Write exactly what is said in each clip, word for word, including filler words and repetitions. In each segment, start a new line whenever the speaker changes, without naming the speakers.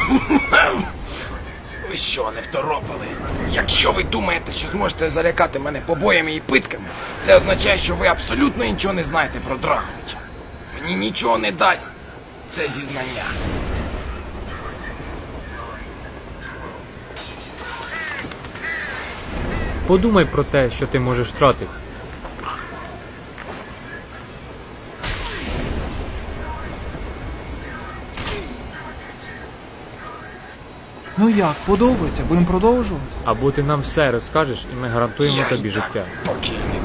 Ви що, не второпали? Якщо ви думаєте, що зможете залякати мене побоями і питками, це означає, що ви абсолютно нічого не знаєте про Драговича. Мені нічого не дасть це зізнання.
Подумай про те, що ти можеш втратити.
Ну як, подобається? Будемо продовжувати?
Або ти нам все розкажеш, і ми гарантуємо
Я
тобі
і так
життя.
покійник.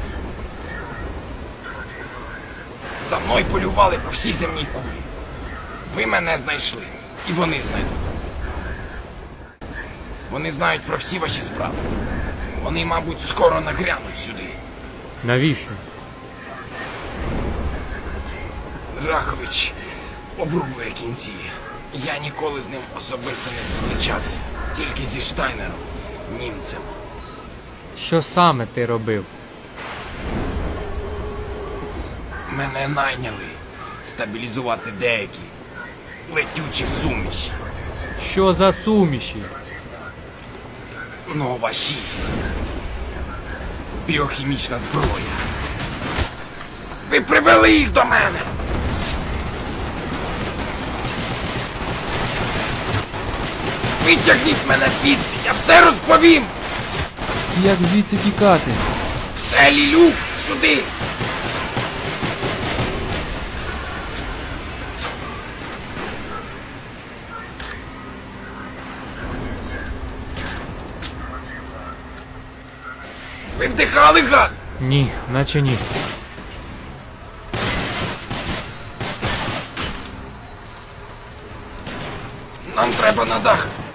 За мною полювали по всій земній кулі. Ви мене знайшли, і вони знайдуть. Вони знають про всі ваші справи. Вони, мабуть, скоро нагрянуть сюди.
Навіщо?
Драгович обрубує кінці. Я ніколи з ним особисто не зустрічався. Тільки зі Штайнером, німцем.
Що саме ти робив?
Мене найняли стабілізувати деякі летючі суміші.
Що за суміші?
Нова шість. Біохімічна зброя. Ви привели їх до мене. Витягніть мене звідси, я все розповім.
Як звідси тікати?
Стелі люк сюди. Ви вдихали газ?
Ні, наче ні.
Нам треба на дах.